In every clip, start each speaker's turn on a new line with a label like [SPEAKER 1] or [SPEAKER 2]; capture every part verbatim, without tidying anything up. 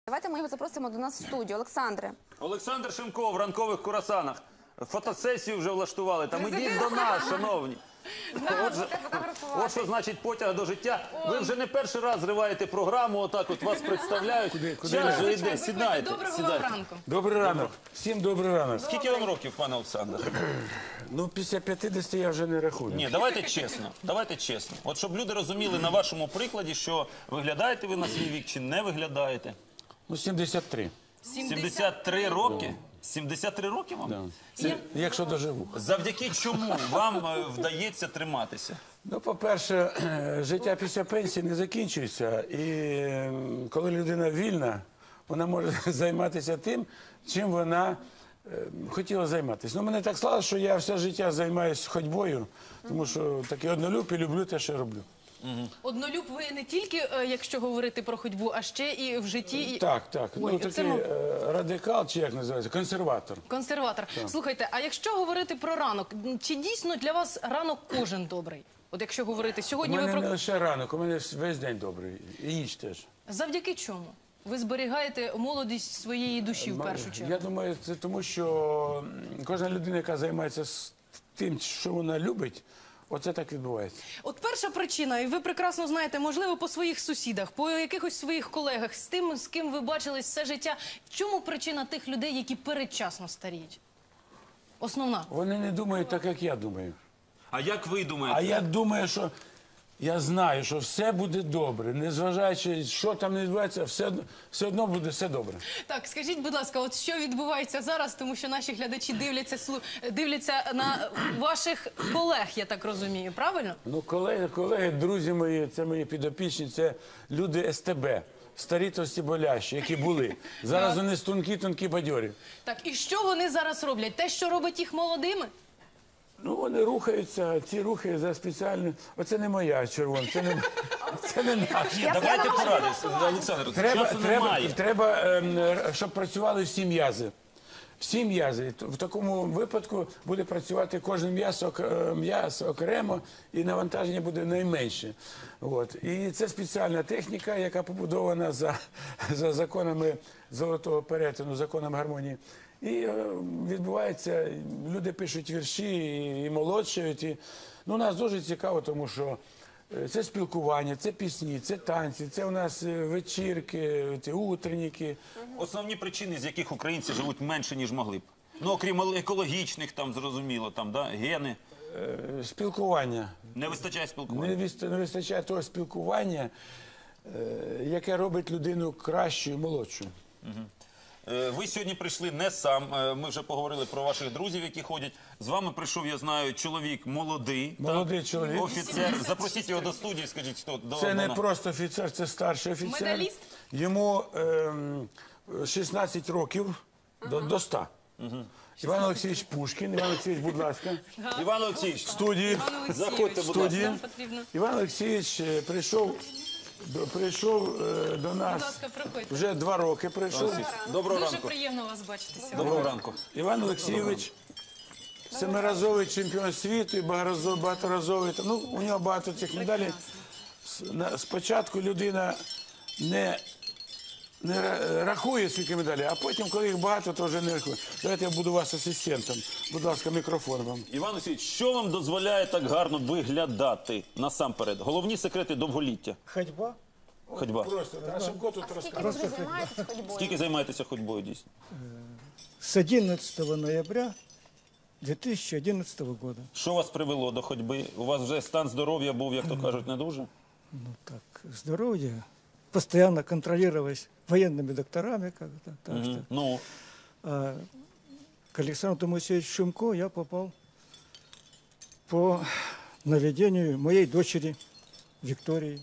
[SPEAKER 1] Давайте ми його запросимо до нас в студію. Олександре.
[SPEAKER 2] Олександр Шимко в ранкових курасанах. Фотосесію вже влаштували. Там ідіть до нас, шановні. Отже, от що значить потяг до життя. Ви вже не перший раз зриваєте програму, отак от вас представляють. Час же йде, сідайте.
[SPEAKER 3] Доброго вам ранку.
[SPEAKER 4] Добрий ранок. Всім добрий ранок.
[SPEAKER 2] Скільки вам років, пане Олександр?
[SPEAKER 4] Ну, після п'ятдесяти я вже не рахую.
[SPEAKER 2] Ні, давайте чесно, давайте чесно. От щоб люди розуміли на вашому прикладі, що виглядаєте ви на свій вік чи не виглядаєте.
[SPEAKER 4] Ну, сімдесят три.
[SPEAKER 2] сімдесят три роки? сімдесят три роки вам?
[SPEAKER 4] Да. Це, якщо доживу.
[SPEAKER 2] Завдяки чому вам е, вдається триматися?
[SPEAKER 4] Ну, по-перше, життя після пенсії не закінчується. І м, коли людина вільна, вона може займатися тим, чим вона е, хотіла займатися. Ну, мене так склалося, що я все життя займаюся ходьбою, тому що такий однолюб і люблю те, що роблю.
[SPEAKER 3] Однолюб ви не тільки, е, якщо говорити про ходьбу, а ще і в житті. І...
[SPEAKER 4] Так, так.
[SPEAKER 3] Ой,
[SPEAKER 4] Ну,
[SPEAKER 3] це
[SPEAKER 4] такий
[SPEAKER 3] мов-
[SPEAKER 4] е, радикал, чи як називається, консерватор.
[SPEAKER 3] Консерватор. Слухайте, а якщо говорити про ранок, чи дійсно для вас ранок кожен добрий? От якщо говорити
[SPEAKER 4] У
[SPEAKER 3] сьогодні, ви
[SPEAKER 4] мене
[SPEAKER 3] про
[SPEAKER 4] не лише ранок, у мене весь день добрий. І ніч теж.
[SPEAKER 3] завдяки чому? Ви зберігаєте молодість своєї душі в першу чергу.
[SPEAKER 4] Я думаю, це тому, що м, кожна людина, яка займається з тим, що вона любить, оце так відбувається.
[SPEAKER 3] От перша причина, і ви прекрасно знаєте, можливо, по своїх сусідах, по якихось своїх колегах, з тим, з ким ви бачились все життя. В чому причина тих людей, які передчасно старіють? Основна.
[SPEAKER 4] Вони не думають так, як я думаю.
[SPEAKER 2] А як ви думаєте?
[SPEAKER 4] А я думаю, що я знаю, що все буде добре, незважаючи, що там не відбувається, все, одно- все одно буде все добре.
[SPEAKER 3] Так, скажіть, будь ласка, от що відбувається зараз, тому що наші глядачі дивляться, слу- дивляться на ваших колег, я так розумію, правильно?
[SPEAKER 4] Ну, колеги, колеги, друзі мої, це мої підопічні, це люди ес те бе. Старі товсті болящі, які були. Зараз вони тонкі, тонкі, бадьорі.
[SPEAKER 3] Так, і що вони зараз роблять? Те, що робить їх молодими?
[SPEAKER 4] Ну, вони рухаються, ці рухи за спеціальним... Оце не моя червона, це не, це не наш.
[SPEAKER 2] Давайте порадимося, Олександр.
[SPEAKER 4] Треба,
[SPEAKER 2] Часу
[SPEAKER 4] треба,
[SPEAKER 2] немає.
[SPEAKER 4] треба ем, щоб працювали всі м'язи. Всі м'язи. В такому випадку буде працювати кожен м'яз ок- е, м'яз окремо, і навантаження буде найменше. От. І це спеціальна техніка, яка побудована за, за законами золотого перетину, законом гармонії. І е, відбувається, люди пишуть вірші і, і молодшають. І, ну, нас дуже цікаво, тому що е, це спілкування, це пісні, це танці, це у нас е, вечірки, ці утренніки.
[SPEAKER 2] Основні причини, з яких українці живуть менше, ніж могли б. Ну, окрім екологічних, там, зрозуміло, там, да, гени.
[SPEAKER 4] Е, Спілкування.
[SPEAKER 2] Не вистачає спілкування.
[SPEAKER 4] Не віст- не вистачає того спілкування, е, яке робить людину кращою, молодшою.
[SPEAKER 2] Е, Ви сьогодні прийшли не сам, е, ми вже поговорили про ваших друзів, які ходять. З вами прийшов, я знаю, чоловік молодий.
[SPEAKER 4] Молодий
[SPEAKER 2] так?
[SPEAKER 4] чоловік.
[SPEAKER 2] Офіцер. Запросіть його до студії, скажіть, хто до
[SPEAKER 4] Це не
[SPEAKER 2] до-
[SPEAKER 4] просто офіцер, це старший офіцер.
[SPEAKER 3] Медаліст?
[SPEAKER 4] Йому ем, шістнадцять років до, до ста. Іван Олексійович Пушкін. Іван Олексійович, будь ласка.
[SPEAKER 2] Іван Олексійович,
[SPEAKER 4] В студії.
[SPEAKER 3] Пане Олексійович,
[SPEAKER 2] Заходьте, будь
[SPEAKER 4] Студії.
[SPEAKER 3] нам потрібно.
[SPEAKER 4] Іван Олексійович е, прийшов, до, прийшов е, до
[SPEAKER 3] Будь
[SPEAKER 4] нас,
[SPEAKER 3] ласка, проходьте.
[SPEAKER 4] вже два роки прийшов.
[SPEAKER 2] доброго
[SPEAKER 3] Дуже
[SPEAKER 2] ранку.
[SPEAKER 3] приємно вас бачити сьогодні.
[SPEAKER 2] Доброго ранку.
[SPEAKER 4] Іван Олексійович, семиразовий чемпіон світу і багаразо- багаторазовий. Ну, у нього багато цих медалей. С- на- Спочатку людина не, не ра- рахує скільки медалей, а потім, коли їх багато, то вже не рахує. Давайте я буду вас асистентом. Будь ласка, мікрофон вам.
[SPEAKER 2] Іван Олексійович, що вам дозволяє так гарно виглядати насамперед? Головні секрети довголіття.
[SPEAKER 5] Ходьба.
[SPEAKER 2] Ходьба.
[SPEAKER 4] Просто, а Шимко тут
[SPEAKER 1] Скільки ви вже займаєтеся ходьбою?
[SPEAKER 2] Скільки займаєтеся ходьбою дійсно?
[SPEAKER 5] С одиннадцатого ноября две тысячи одиннадцатого года.
[SPEAKER 2] Що вас привело до ходьби? У вас вже стан здоров'я був, як то кажуть, не дуже?
[SPEAKER 5] Ну так, здоровье. Постоянно контролировалось военными докторами как-то. Так
[SPEAKER 2] Мгм.
[SPEAKER 5] что,
[SPEAKER 2] Ну,
[SPEAKER 5] а, к Александру Моисеевичу Шимко я попал по наведению моей дочери Виктории.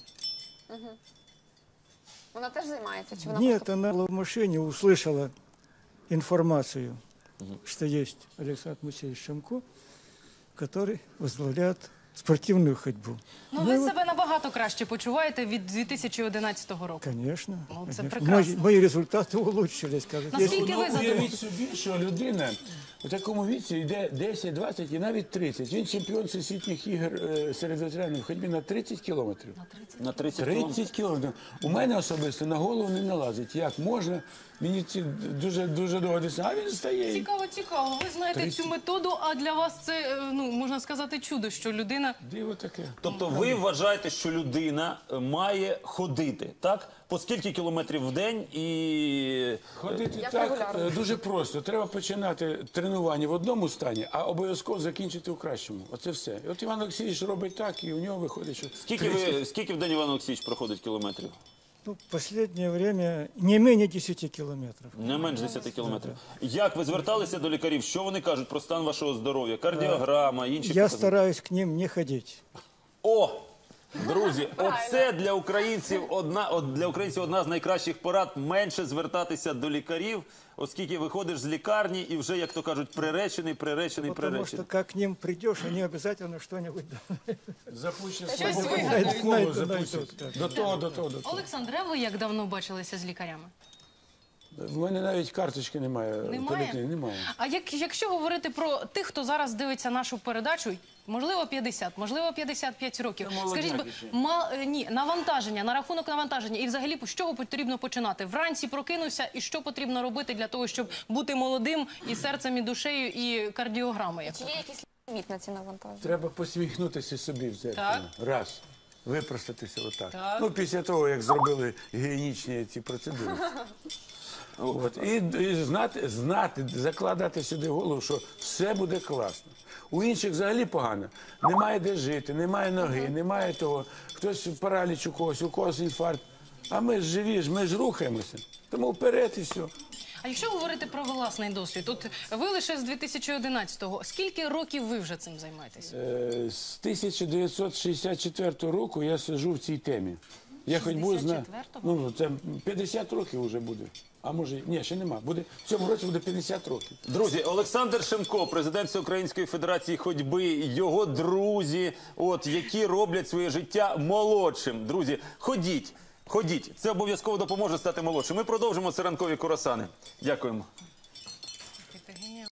[SPEAKER 1] Вона теж займається? Чи вона
[SPEAKER 5] Нет,
[SPEAKER 1] просто...
[SPEAKER 5] она в машине услышала информацию, что есть Александр Моисеевич Шимко, который возглавляет спортивную ходьбу.
[SPEAKER 3] Ну, ви себе набагато краще почуваєте від дві тисячі одинадцятого року.
[SPEAKER 5] Конечно.
[SPEAKER 3] Ну, це
[SPEAKER 5] конечно.
[SPEAKER 3] прекрасно.
[SPEAKER 5] Мои, мои результаты улучшились. Как
[SPEAKER 3] Наскільки
[SPEAKER 4] Ну,
[SPEAKER 3] ви задоволені?
[SPEAKER 4] уявіть собі, що людина У такому віці йде десять, двадцять і навіть тридцять. Він чемпіон всесвітніх ігор е, серед ветеранів в ходьбі на тридцять кілометрів.
[SPEAKER 2] На тридцять кілометрів.
[SPEAKER 4] тридцять кілометрів. У мене особисто на голову не налазить. Як можна? Мені ці дуже дуже довго дістає. А він стає. і-
[SPEAKER 3] Цікаво, цікаво. Ви знаєте цю методу, а для вас це, е, ну, можна сказати, чудо, що людина...
[SPEAKER 4] Диво таке.
[SPEAKER 2] Тобто ви вважаєте, що людина е, має ходити, так? По скільки кілометрів в день і...
[SPEAKER 4] Ходити
[SPEAKER 1] Як
[SPEAKER 4] так
[SPEAKER 1] регулярно?
[SPEAKER 4] е, дуже просто. Треба починати тренування в одному стані, а обов'язково закінчити у кращому. Оце все. І от Іван Олексійович робить так, і у нього виходить, що
[SPEAKER 2] Скільки, ви, скільки в день Іван Олексійович проходить кілометрів?
[SPEAKER 5] Ну, в последнее время не менее десяти километров.
[SPEAKER 2] Не менш десяти кілометрів. Як ви зверталися до лікарів? Що вони кажуть про стан вашого здоров'я? Кардіограма, інші
[SPEAKER 5] Я
[SPEAKER 2] показники?
[SPEAKER 5] стараюсь к ним не ходить.
[SPEAKER 2] О! Друзі, оце для українців одна, от для українців одна з найкращих порад – менше звертатися до лікарів, оскільки виходиш з лікарні і вже, як то кажуть, приречений, приречений,
[SPEAKER 5] Потому что
[SPEAKER 2] приречений.
[SPEAKER 5] как к ним придешь, они обязательно что-нибудь
[SPEAKER 4] запущено
[SPEAKER 3] Щось
[SPEAKER 4] слово
[SPEAKER 3] вигадають.
[SPEAKER 4] коло
[SPEAKER 5] Найдуть,
[SPEAKER 4] запустять.
[SPEAKER 5] найдуть,
[SPEAKER 4] До того, до того, до того.
[SPEAKER 3] Олександре, а ви як давно бачилися з лікарями?
[SPEAKER 4] В мене навіть карточки немає. в
[SPEAKER 3] Немає?
[SPEAKER 4] поліклініці. Немає.
[SPEAKER 3] А як, якщо говорити про тих, хто зараз дивиться нашу передачу, можливо п'ятдесят, можливо п'ятдесят п'ять років. Скажіть, бо- ма, е, ні, навантаження, на рахунок навантаження. І взагалі, з чого потрібно починати? Вранці прокинувся, і що потрібно робити для того, щоб бути молодим і серцем, і душею, і кардіограмою?
[SPEAKER 1] Чи є якийсь ліміт на ці навантаження?
[SPEAKER 4] Треба посміхнутися собі в дзеркало.
[SPEAKER 3] Так.
[SPEAKER 4] Раз. Випростатися отак.
[SPEAKER 3] Так.
[SPEAKER 4] Ну, після того, як зробили гігієнічні ці процедури. От. І, і знати, знати, закладати сюди голову, що все буде класно. У інших взагалі погано. Немає де жити, немає ноги, немає того. Хтось параліч у когось, у когось інфаркт. А ми ж живі, ж, ми ж рухаємося. Тому вперед і все.
[SPEAKER 3] А якщо говорити про власний досвід, от ви лише з дві тисячі одинадцятого, скільки років ви вже цим займаєтесь?
[SPEAKER 4] Е, З тисяча дев'ятсот шістдесят четвертого року я сиджу в цій темі. Я хоч буду знати.
[SPEAKER 3] шістдесят четвертого?
[SPEAKER 4] Ну, це п'ятдесят років вже буде. А може, ні, ще нема. Буде, в цьому році буде п'ятдесят років.
[SPEAKER 2] Друзі, Олександр Шемко, президент Всеукраїнської федерації ходьби, його друзі, от, які роблять своє життя молодшим. Друзі, ходіть, ходіть. Це обов'язково допоможе стати молодшим. Ми продовжимо «Це ранкові курасани». Дякуємо.